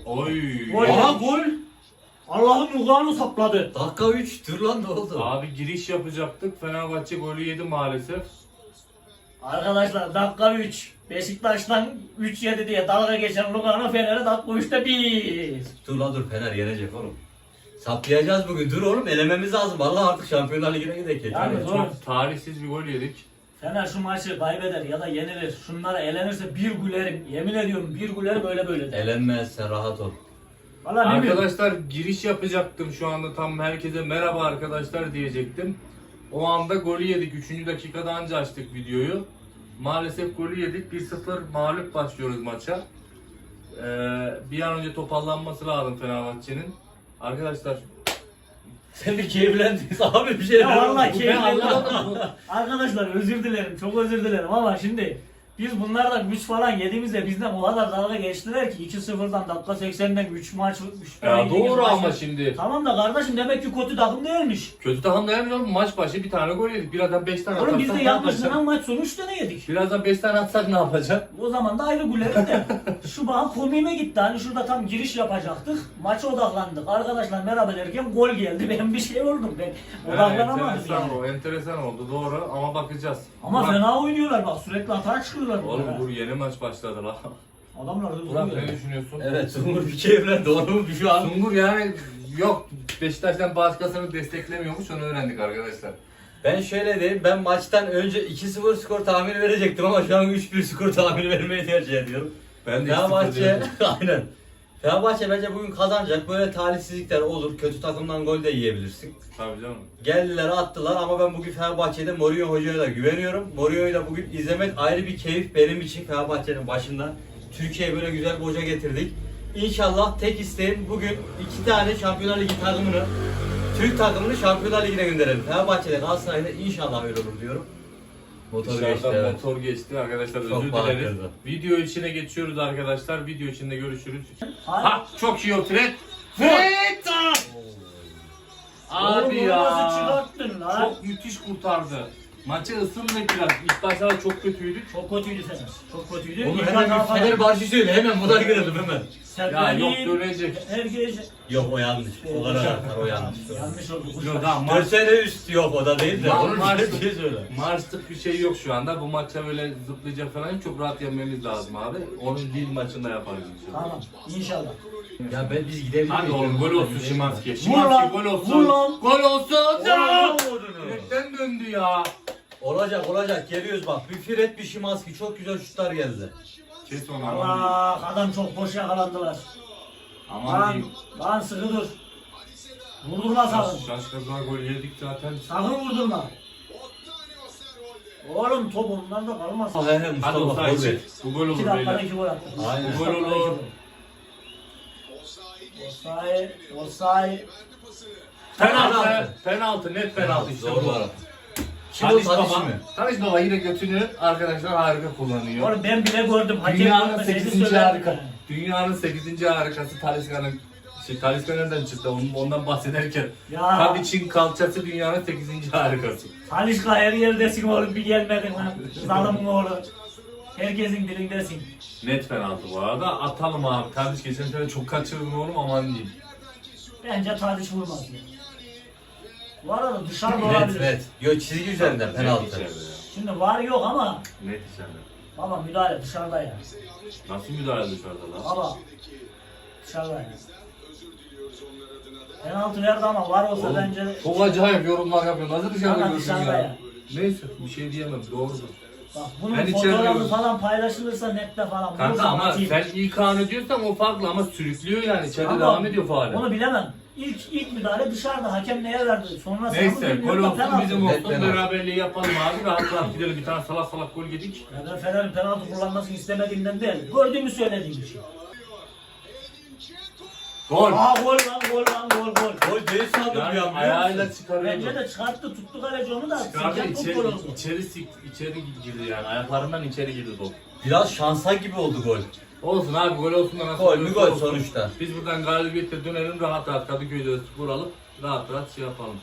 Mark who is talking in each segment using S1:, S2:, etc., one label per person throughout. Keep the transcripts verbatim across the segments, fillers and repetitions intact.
S1: Oy.
S2: Gol.
S3: Aha gol.
S2: Allah'ım yukarını sapladı.
S3: Dakika üç. Dur lan ne oldu?
S1: Abi giriş yapacaktık. Fenerbahçe golü yedi maalesef.
S2: Arkadaşlar dakika üç. Beşiktaş'tan üç yedi diye dalga geçen Lugano Fener'e dakika üçte bir.
S3: Dur lan dur Fener yenecek oğlum. Saplayacağız bugün. Dur oğlum elememiz lazım. Vallahi artık Şampiyonlar Ligi'ne gidelim.
S2: Yani
S1: Yani
S2: zor.
S1: çok tarihsiz bir gol yedik.
S2: Fener şu maçı kaybeder ya da yenilir. Şunlara elenirse bir gülerim. Yemin ediyorum bir gülerim öyle böyle de.
S3: Elenmez sen rahat ol.
S2: Valla ne bileyim.
S1: Arkadaşlar giriş yapacaktım şu anda, tam herkese merhaba arkadaşlar diyecektim. O anda golü yedik. üçüncü dakikada anca açtık videoyu. Maalesef golü yedik. bir sıfır mağlup başlıyoruz maça. Ee, bir an önce toparlanması lazım Fenerbahçe'nin. Arkadaşlar
S3: Sen bir keyiflendin. Abi bir şey
S2: Ya vallahi
S1: bu
S2: keyifli.
S1: ben anlamadım.
S2: Arkadaşlar özür dilerim. Çok özür dilerim ama şimdi biz bunlardan üç falan yediğimizde bizden o kadar dalga geçtiler ki iki sıfırdan dakika seksenden üç maç üç
S1: Ya
S2: yediğimiz
S1: doğru
S2: maç-
S1: ama şimdi
S2: Tamam da kardeşim demek ki kötü takım değilmiş.
S1: kötü takım dayanmıyor mu? Maç başı bir tane gol yedik. Birazdan beş tane
S2: Oğlum biz de
S1: ne
S2: yanlış
S1: yapacak?
S2: dönen maç sonu üç tane yedik.
S1: Birazdan beş tane atsak ne yapacak?
S2: O zaman da ayrı gülerim de. Şu bana komiğime gitti. Hani şurada tam giriş yapacaktık. Maça odaklandık. Arkadaşlar merhaba derken gol geldi. Ben bir şey oldum. Ben odaklanamadım
S1: enteresan
S2: yani.
S1: o, enteresan oldu doğru ama bakacağız.
S2: Ama
S1: Burak-
S2: fena oynuyorlar bak. Sürekli atağa çıkıyorlar.
S1: Oğlum
S2: bunlar ha.
S1: dur yeni maç başladı la.
S2: Adamlar hızlı
S1: Burak
S2: oynuyor.
S1: ne düşünüyorsun?
S3: Evet Sungur bir keyiflendi. Doğru mu bir şu an?
S1: Sungur yani yok Beşiktaş'tan başkasını desteklemiyormuş, onu öğrendik arkadaşlar.
S3: Ben şöyle diyeyim. Ben maçtan önce iki sıfır skor tahmini verecektim ama şu an üç bir skor tahmini vermeyi tercih ediyorum.
S1: Ben de iki sıfır
S3: Fenerbahçe
S1: diyorum.
S3: aynen. Fenerbahçe bence bugün kazanacak. Böyle talihsizlikler olur. Kötü takımdan gol de yiyebilirsin.
S1: Tabii canım.
S3: Geldiler attılar ama ben bugün Fenerbahçe'de Mourinho Hoca'ya da güveniyorum. Mourinho'yu da bugün izlemek ayrı bir keyif benim için Fenerbahçe'nin başında. Türkiye'ye böyle güzel bir hoca getirdik. İnşallah tek isteğim bugün iki tane Şampiyonlar Ligi takımını, Türk takımını Şampiyonlar Ligi'ne gönderelim. Fenerbahçe'de Galatasaray'da inşallah öyle olur diyorum. Motor
S1: Dışarıdan
S3: geçti evet.
S1: motor geçti arkadaşlar,
S3: Çok
S1: özür
S3: bağlı
S1: dileriz.
S3: kırdı.
S1: Video içine geçiyoruz arkadaşlar. Video içinde görüşürüz.
S2: Hayır.
S1: Ha çok iyi o Fred. Fred! Abi
S2: Oğlum,
S1: ya.
S2: nasıl çıkarttın lan?
S1: Çok müthiş kurtardı. Maçı ısındı biraz. İlk başlarda çok kötüydük.
S2: Çok kötüydü Fener. Çok kötüydü.
S3: Onu
S2: İlk
S3: hemen
S2: hata
S3: bir
S2: falan.
S3: Fenerbahçe söyle hemen buna girelim hemen.
S1: Ya yok
S2: Serkan'ın
S1: dönecek.
S2: her gece
S3: Yok o yanlış. O kadar atar o yanlış.
S2: yanlış oldu.
S1: Yok daha
S3: dört
S1: maç,
S3: sene üst yok o da değil de.
S1: Ma-
S3: Onun
S1: maç-
S3: bir şey söyle.
S1: Maçlık bir şey yok şu anda. Bu maça böyle zıplayacak falan çok rahat yenmemiz lazım abi. Onun Lille maçında yaparız inşallah.
S2: Tamam. İnşallah.
S3: Ya ben biz gidebiliriz.
S1: Hadi oğlum gol olsun Şimanski.
S2: Vur
S1: Şimanski
S2: lan,
S1: gol olsun.
S2: vur lan.
S1: Gol olsun. Ya!
S3: Oğlum,
S1: Direkten döndü ya.
S3: Olacak olacak geliyoruz bak. Bir Fred bir Şimanski çok güzel şutlar geldi.
S1: Kes onu aman.
S2: Allah adam çok boş yakalandılar.
S1: Aman
S2: Lan,
S1: diyeyim.
S2: lan sıkı dur. Vurdurma sakın.
S1: Şaşkınlar gol yedik zaten.
S2: Sakın vurdurma. Oğlum top ondan da kalmaz.
S3: Ah he he
S1: Hadi
S3: Mustafa
S1: olsa
S3: gol
S1: için.
S3: ver.
S1: Bu gol
S2: İki
S1: olur
S2: dakikada
S1: beyler.
S2: iki gol attı.
S3: Aynen.
S2: İki
S1: Gol
S2: dakikada iki
S1: olur.
S2: gol. Osay, Osay.
S1: Penaltı. Penaltı. Net penaltı işte
S3: Doğru
S1: bu.
S3: var. Kim o
S1: Tadiş
S3: Tadiş
S1: Baba.
S3: mi?
S1: Tadiş Baba yine götünü arkadaşlar harika kullanıyor.
S2: Oğlum ben bile gördüm. Hakem
S1: Dünyanın
S2: görmeseydi
S1: sekizinci
S2: söylerdim
S1: harika.
S2: yani.
S1: Dünyanın sekizinci harikası Talisca'nın şey Talisca nereden çıktı ondan, ondan bahsederken.
S2: Ya.
S1: Tadic'in kalçası dünyanın sekizinci harikası.
S2: Talişka her yerdesin oğlum bir gelmedin lan. Zalımın oğlu. Herkesin dilindesin.
S1: Net penaltı bu arada. Atalım abi. Tadic geçen sene çok kaçırdın oğlum aman diyeyim.
S2: Bence Tadiç vurmaz ya. Bu arada dışarıda
S3: Net
S2: olabilir.
S3: net. Yo çizgi üzerinden
S1: Net
S3: penaltı.
S1: içeride ya.
S2: Şimdi var yok ama
S1: Net içeride.
S2: baba müdahale dışarıda ya.
S1: Nasıl müdahale dışarıda lan?
S2: Baba dışarıda ya. Penaltı verdi ama var olsa
S1: Oğlum,
S2: bence
S1: çok acayip yorumlar yapıyor. Nasıl dışarıda
S2: Ama
S1: gördün
S2: dışarıda
S1: ya?
S2: ya.
S1: Neyse bir şey diyemem. Doğrudur.
S2: bak bunun
S1: Ben içeride
S2: fotoğrafı
S1: gördüm.
S2: falan paylaşılırsa nette falan.
S1: Kanka
S2: vurursam
S1: ama
S2: atayım.
S1: sen ilk anı diyorsan o farklı ama sürüklüyor yani. İçeride
S2: Ama
S1: devam ediyor faale.
S2: Onu bilemem. İlk ilk müdahale dışarıda hakem neye verdi? Sonra
S1: Neyse gol olsun bizim
S3: Net
S1: olsun
S3: penaltı.
S1: beraberliği yapalım abi. Rahat rahat gidelim, bir tane salak salak gol yedik.
S2: Ya ben Fener'in penaltı kullanmasını istemediğimden değil. Gördüğümü söylediğim için.
S1: Gol!
S2: Aa gol lan gol lan gol gol.
S3: Gol değil sandım
S1: Yani
S3: ya.
S1: ayağıyla
S2: Bence
S1: çıkarıyordu.
S2: de çıkarttı tuttu kaleci onu da.
S1: Çıkardı
S2: Sıcak
S1: içeri,
S2: gol oldu.
S1: içeri, sik- içeri girdi yani. Ayaklarından içeri girdi top.
S3: Biraz şansa gibi oldu gol.
S1: Olsun abi gol olsun da nasıl
S3: Gol mü
S1: olursa
S3: gol
S1: olsun.
S3: sonuçta.
S1: Biz buradan galibiyetle dönelim rahat rahat Kadıköy'de skor alıp rahat rahat şey yapalım.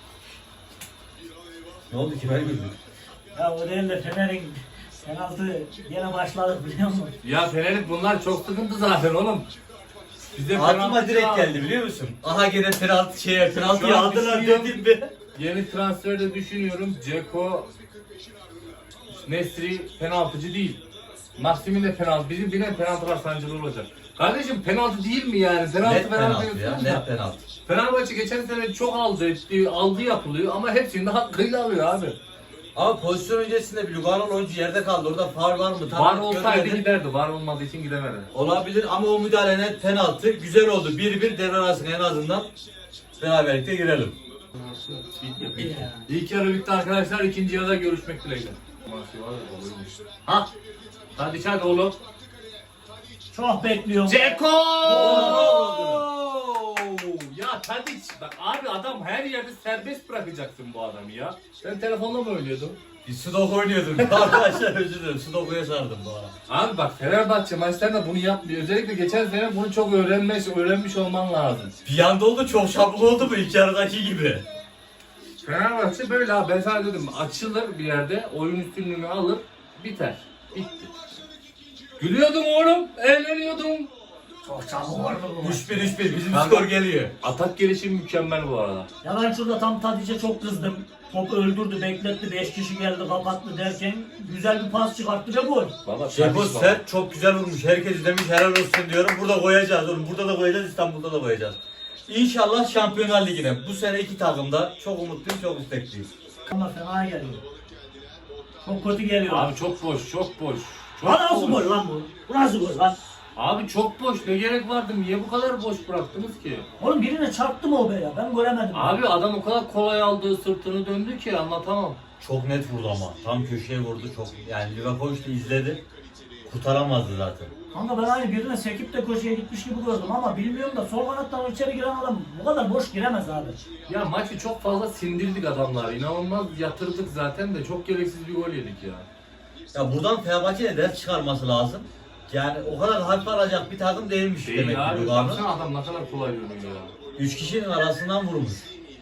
S3: Ne oldu ki ben güldüm.
S2: Ya o değil de Fener'in penaltı yine başladık biliyor musun?
S1: Ya Fener'in bunlar çok sıkıntı zaten oğlum. Bize
S3: Aklıma
S1: penaltı
S3: direkt
S1: lazım.
S3: geldi biliyor musun? Aha gene penaltı şeye penaltıyı
S1: Şu an
S3: aldılar
S1: düşünüyorum.
S3: dedim mi?
S1: Yeni transferde düşünüyorum. Ceko, Nesri penaltıcı değil. Maksimin de penaltı. Bizim birine penaltılar sancılı olacak. Kardeşim penaltı değil mi yani? Penaltı
S3: Net penaltı ya,
S1: diyorsun
S3: net
S1: da.
S3: penaltı.
S1: Fenerbahçe geçen sene çok aldı etti, aldı yapılıyor ama hepsini de hakkıyla alıyor abi.
S3: Ama pozisyon öncesinde bir Lugano'lu oyuncu yerde kaldı. Orada faul var mı? Tam
S1: Var
S3: net
S1: olsaydı
S3: görmedim.
S1: giderdi. Var olmadığı için gidemedi.
S3: Olabilir ama o müdahale net penaltı. Güzel oldu. bir bir devre arasında en azından beraberlikte girelim.
S2: Ya.
S1: İlk yarı bitti arkadaşlar. İkinci yarıda görüşmek dileğiyle. Ha? Hadi hadi oğlum.
S2: Çok bekliyorum.
S1: Ceko!
S3: Oo!
S1: Ya Tadiç bak abi adam her yerde serbest bırakacaksın bu adamı ya. Sen telefonla mı oynuyordun?
S3: Bir Sudoku oynuyordum. Arkadaşlar özür dilerim. Sudoku'ya sardım bu ara.
S1: Abi bak Fenerbahçe maçlarında bunu yapmıyor. Özellikle geçen sene bunu çok öğrenmiş, öğrenmiş olman lazım.
S3: Bir anda oldu çok şaplı oldu mu ilk yarıdaki gibi.
S1: Fenerbahçe böyle abi ben sana dedim açılır bir yerde oyun üstünlüğünü alır biter. Bitti. Gülüyordum oğlum, eğleniyordum.
S2: Çok çabuk oldu bu maç.
S3: üç bir üç bir bizim
S1: Kanka.
S3: skor geliyor.
S1: Atak gelişimi mükemmel bu arada.
S2: Ya ben şurada tam Tadic'e çok kızdım. Topu öldürdü, bekletti, beş kişi geldi, kapattı derken güzel bir pas çıkarttı ve gol.
S1: Baba
S3: Ceko
S1: Tadiç baba.
S3: sert çok güzel vurmuş. Herkes izlemiş helal olsun diyorum. Burada koyacağız oğlum. Burada da koyacağız, İstanbul'da da koyacağız. İnşallah Şampiyonlar Ligi'ne. Bu sene iki takımda çok umutluyum, çok istekliyim.
S2: Ama fena geliyor. Çok kötü geliyor.
S1: Abi çok boş, çok boş. Çok
S2: Lan nasıl
S1: boş.
S2: gol lan bu? Bu nasıl gol lan?
S1: Abi çok boş. Ne gerek vardı? Niye bu kadar boş bıraktınız ki?
S2: Oğlum birine çarptı mı o be ya? Ben göremedim.
S1: Abi adam o kadar kolay aldığı sırtını döndü ki anlatamam.
S3: Çok net vurdu ama. Tam köşeye vurdu çok. Yani Livakovic de izledi. Kurtaramazdı zaten.
S2: Kanka ben aynı birine sekip de köşeye gitmiş gibi gördüm ama bilmiyorum da sol kanattan içeri giren adam bu kadar boş giremez abi.
S1: Ya maçı çok fazla sindirdik adamlar. İnanılmaz yatırdık zaten de çok gereksiz bir gol yedik ya.
S3: Ya buradan Fenerbahçe'ye ders çıkarması lazım. Yani o kadar harf alacak bir takım değilmiş demek
S1: Değil
S3: ki
S1: abi.
S3: Lugano.
S1: Baksana adam ne kadar kolay dönüyor ya.
S3: Üç kişinin arasından vurmuş.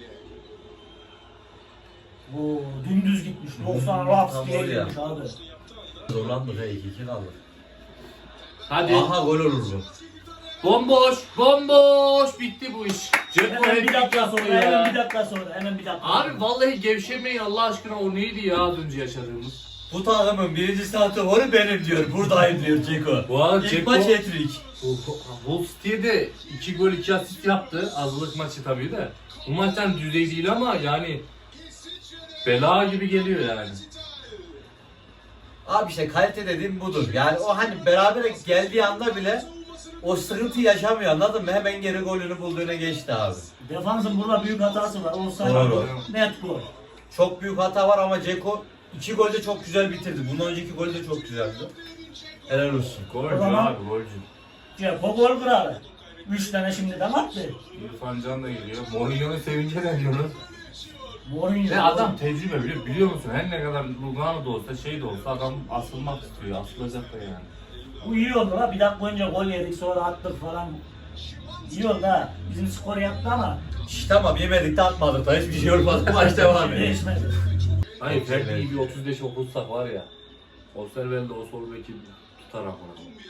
S2: Bu dümdüz gitmiş. doksan
S3: Hmm,
S2: laps
S3: tam
S2: diye
S3: oraya.
S2: gitmiş abi.
S3: Zorlandı he iki iki kaldı.
S1: Hadi.
S3: Aha gol olur bu.
S1: Bomboş, bomboş bitti bu iş. Ceko
S2: Hemen bir
S1: hat-trick
S2: dakika
S1: yaptı
S2: sonra,
S1: ya.
S2: hemen bir dakika sonra, hemen bir dakika.
S1: Abi vallahi gevşemeyin Allah aşkına o neydi ya az önce yaşadığımız.
S3: Bu takımın birinci santraforu benim diyor. Buradayım diyor Ceko.
S1: Bu arada
S3: İlk
S1: Ceko-
S3: maç hat-trick.
S1: Hull City'ye de iki gol iki asist yaptı. Azlık maçı tabii de. Bu maçtan düzey değil ama yani bela gibi geliyor yani.
S3: Abi işte kalite dediğim budur. Yani o hani beraber geldiği anda bile o sıkıntı yaşamıyor anladın mı? Hemen geri golünü bulduğuna geçti abi.
S2: Defansın burada büyük hatası var. Olsaydı
S3: Doğru.
S2: net gol.
S3: Çok büyük hata var ama Ceko iki golde çok güzel bitirdi. Bundan önceki gol de çok güzeldi. Helal olsun.
S1: Golcü
S2: O zaman-
S1: abi golcü.
S2: Ceko gol kralı. Üç tane şimdiden attı.
S1: İrfan Can da geliyor. Mourinho'nun sevince ne diyoruz?
S2: Mourinho.
S1: Ve adam tecrübe biliyor, biliyor musun? Her ne kadar Lugano da olsa şey de olsa adam asılmak istiyor. Asılacak da yani.
S2: Bu iyi oldu la. Bir dakika önce gol yedik sonra attık falan. İyi oldu ha. Bizim skor yaptı ama
S3: İşte tamam yemedik de atmadık da hiçbir şey olmadı. Maç devam ediyor.
S2: değişmedi.
S1: Hayır
S3: Çok güzel.
S1: Ferdi'yi bir otuz beş okursak var ya. Osterwelde o sol beki tutar ama.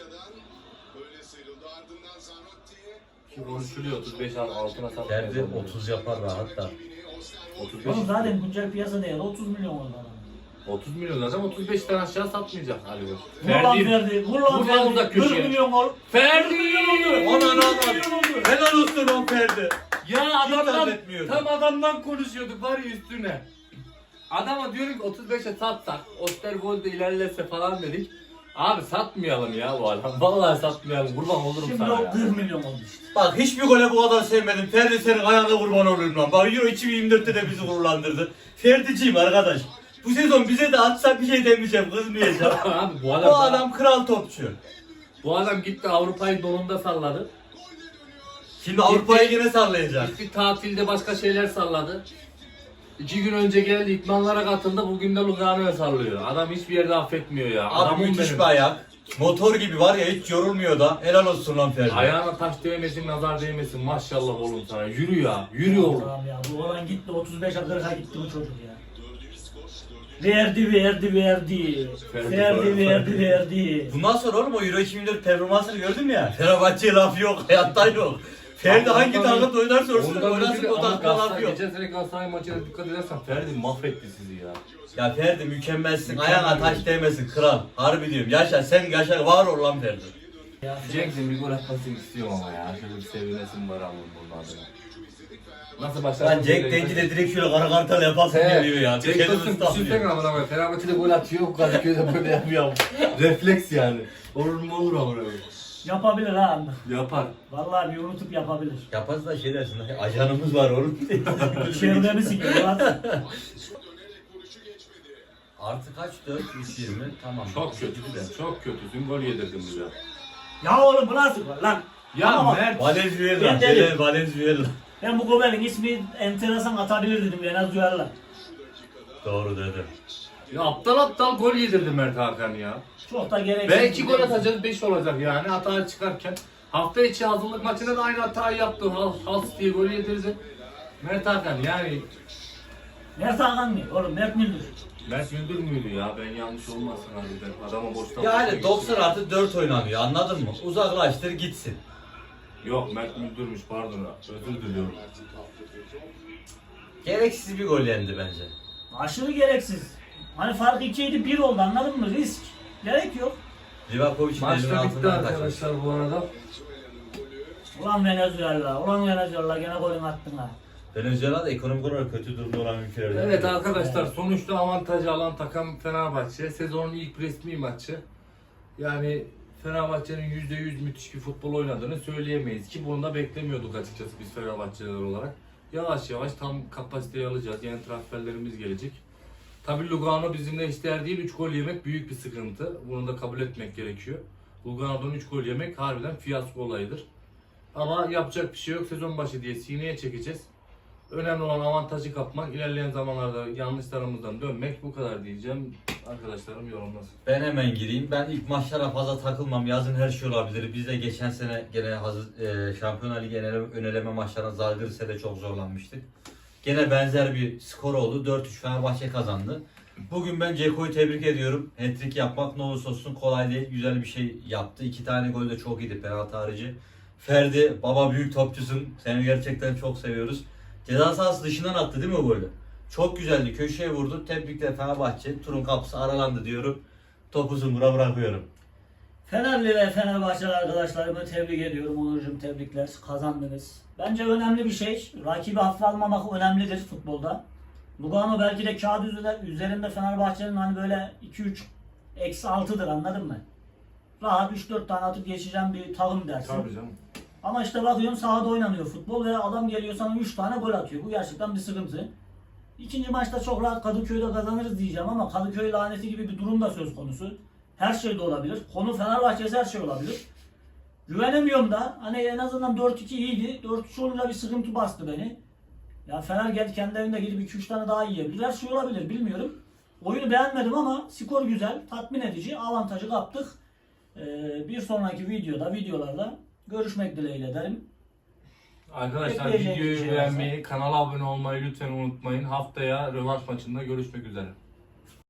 S1: Ki konuşuluyor otuz beş altına satmıyor.
S3: Ferdi otuz yapar rahat da.
S1: otuz beş.
S2: Oğlum zaten güncel piyasa değeri otuz milyon oldu adam.
S1: otuz milyon zaten otuz beşten aşağı satmayacak Ali Koç.
S2: Vur lan
S1: Ferdi.
S2: Ferdi. Vur lan
S1: Vur lan
S2: Ferdi.
S1: uzak köşeye.
S2: kırk milyon ol.
S1: Ferdi!
S3: Aman aman. Helal olsun on Ferdi.
S1: Ya adamdan
S3: zannetmiyorum.
S1: tam adamdan konuşuyorduk var ya üstüne. Adama diyorum ki otuz beşe satsak, Osterwold'da ilerlese falan dedik. Abi satmayalım ya bu adam. Vallahi satmayalım. Kurban olurum
S2: Şimdi
S1: sana
S2: o
S1: ya.
S2: kırk milyon oldu işte.
S3: Bak hiçbir gole bu kadar sevmedim. Ferdi senin ayağına kurban olurum lan. Bak Euro iki bin yirmi dörtte de bizi gururlandırdı. Ferdi'ciyim arkadaş. Bu sezon bize de atsa bir şey demeyeceğim, kızmayacağım.
S1: Abi bu adam,
S3: Bu adam kral topçu.
S1: bu adam gitti Avrupa'yı donunda salladı.
S3: Şimdi Avrupa'yı yine sallayacak.
S1: Gitti tatilde başka şeyler salladı. İki gün önce geldi idmanlara katıldı. Bugün de Lugano'ya sallıyor. Adam hiçbir yerde affetmiyor ya.
S3: Abi
S1: Adamın
S3: müthiş
S1: benim.
S3: bir ayak. Motor gibi var ya hiç yorulmuyor da. Helal olsun lan Ferdi.
S1: Ayağına taş değmesin, nazar değmesin. Maşallah oğlum sana. Yürü ya. Yürü oğlum.
S2: Tamam ya. Bu olan gitti otuz beşe kırka gitti bu çocuk ya. Verdi verdi verdi.
S1: Ferdi,
S2: Verdi
S1: Ferdi,
S2: verdi
S1: Ferdi.
S2: verdi.
S3: Bundan sonra oğlum o Euro iki bin dört performansını gördün mü ya? Fenerbahçe'ye laf yok, hayatta yok. Ferdi
S1: Ama
S3: hangi
S1: ondan-
S3: takımda oynarsa olsun
S1: Ondan
S3: oynasın
S1: önce de
S3: o
S1: ama
S3: takımda laf
S1: Galatasaray-
S3: yok.
S1: Geçen sene Galatasaray maçına dikkat edersen Ferdi mahvetti sizi ya.
S3: Ya Ferdi mükemmelsin,
S1: Mükemmel.
S3: ayağına taş değmesin kral. Harbi diyorum, yaşa sen yaşa, var ol lan Ferdi.
S1: Cenk'in bir gol atmasını istiyorum ama ya. Şöyle bir sevinesim var ama bunun adına. Nasıl başlar?
S3: Lan Cenk Dengi de direkt şöyle kara kartal yapasın geliyor ya.
S1: Cenk
S3: Kendini
S1: Tosun
S3: ıslahmıyor.
S1: düşünsene ama bak Fenerbahçe'de gol atıyor, Kadıköy'de böyle yapıyor. Refleks yani. Olur mu olur ama öyle.
S2: Yapabilir ha.
S1: Yapar.
S2: Vallahi bir unutup yapabilir.
S3: Yaparsa da şey dersin, ajanımız var oğlum.
S2: Çevremi sikiyor lan.
S3: Artı kaç? dört, üç, yirmi. Tamam.
S1: Çok kötüsün, çok kötüsün. Gol yedirdin bize.
S2: Ya oğlum bu nasıl gol lan?
S1: Ya
S2: Ama bak,
S1: Mert.
S3: Valenzuela.
S2: Ben dedim.
S3: Gelen Valenzuela.
S2: Ben bu goberin ismi enteresan atabilir dedim en az duyarlar.
S3: Doğru dedi.
S1: Ya aptal aptal gol yedirdi Mert Hakan ya.
S2: Çok da gereksiz.
S1: Belki gol atacağız beş olacak yani hata çıkarken. Hafta içi hazırlık maçında da aynı hatayı yaptı. Hal, Hals diye gol yedirdi. Mert Hakan yani
S2: Mert Hakan mı? Oğlum Mert Müldür.
S1: Mert Müldür müydü ya? Ben yanlış olmasın harbiden. Adama boşta
S3: Yani doksan artı dört oynanıyor, anladın mı? Uzaklaştır gitsin.
S1: Yok Mert Müldürmüş pardon. Özür diliyorum.
S3: Gereksiz bir gol yendi bence.
S2: Aşırı gereksiz. Hani fark ikiydi bir oldu anladın mı? Risk. Gerek yok.
S3: Livakovic'in elinin
S1: Maçta bitti
S3: altından kaçmış.
S1: arkadaşlar bu arada.
S2: Ulan Venezuela, ulan Venezuela gene golün attın ha.
S3: Venezuela da ekonomik olarak kötü durumda olan ülkelerden.
S1: Evet
S3: biri.
S1: arkadaşlar sonuçta avantajı alan takım Fenerbahçe. Sezonun ilk resmi maçı. Yani Fenerbahçe'nin yüzde yüz müthiş bir futbol oynadığını söyleyemeyiz ki bunu da beklemiyorduk açıkçası biz Fenerbahçeliler olarak. Yavaş yavaş tam kapasiteyi alacağız. Yeni transferlerimiz gelecek. Tabii Lugano bizimle eşdeğer değil. üç gol yemek büyük bir sıkıntı. Bunu da kabul etmek gerekiyor. Lugano'dan üç gol yemek harbiden fiyasko olayıdır. Ama yapacak bir şey yok. Sezon başı diye sineye çekeceğiz. Önemli olan avantajı kapmak. İlerleyen zamanlarda yanlışlarımızdan dönmek. Bu kadar diyeceğim. Arkadaşlarım yorumlasın.
S3: Ben hemen gireyim. Ben ilk maçlara fazla takılmam. Yazın her şey olabilir. Biz de geçen sene gene hazır, e, Şampiyonlar Ligi öneleme, öneleme maçlarına Zalgiris'e çok zorlanmıştık. Gene benzer bir skor oldu. dört üç Fenerbahçe kazandı. Bugün ben Ceko'yu tebrik ediyorum. Hat-trick yapmak ne olursa olsun kolay değil. Güzel bir şey yaptı. İki tane gol de çok iyiydi penaltı harici. Ferdi, baba büyük topçusun. Seni gerçekten çok seviyoruz. Ceza sahası dışından attı değil mi o golü? Çok güzeldi. Köşeye vurdu. Tebrikler Fenerbahçe. Turun kapısı aralandı diyorum. Topu zımbıra bırakıyorum.
S2: Fenerli ve Fenerbahçeli arkadaşlarımı tebrik ediyorum. Onurcuğum tebrikler. Kazandınız. Bence önemli bir şey. Rakibi hafife almamak önemlidir futbolda. Lugano belki de kağıt üzerinde, üzerinde Fenerbahçe'nin hani böyle iki üç eksi altıdır anladın mı? Rahat üç dört tane atıp geçeceğim bir takım dersin.
S1: Tabii canım.
S2: Ama işte bakıyorum sahada oynanıyor futbol ve adam geliyor sana üç tane gol atıyor. Bu gerçekten bir sıkıntı. İkinci maçta çok rahat Kadıköy'de kazanırız diyeceğim ama Kadıköy laneti gibi bir durum da söz konusu. Her şey de olabilir. Konu Fenerbahçe'si her şey olabilir. Güvenemiyorum da hani en azından dört iki iyiydi. dört üç olunca bir sıkıntı bastı beni. Ya Fener geldi kendi evinde gidip iki üç tane daha yiyebilir. Her şey olabilir bilmiyorum. Oyunu beğenmedim ama skor güzel, tatmin edici, avantajı kaptık. Ee, bir sonraki videoda, videolarda görüşmek dileğiyle derim.
S1: Arkadaşlar
S2: Ekleyecek bir
S1: videoyu
S2: şey
S1: beğenmeyi, kanala abone olmayı lütfen unutmayın. Haftaya rövanş maçında görüşmek üzere.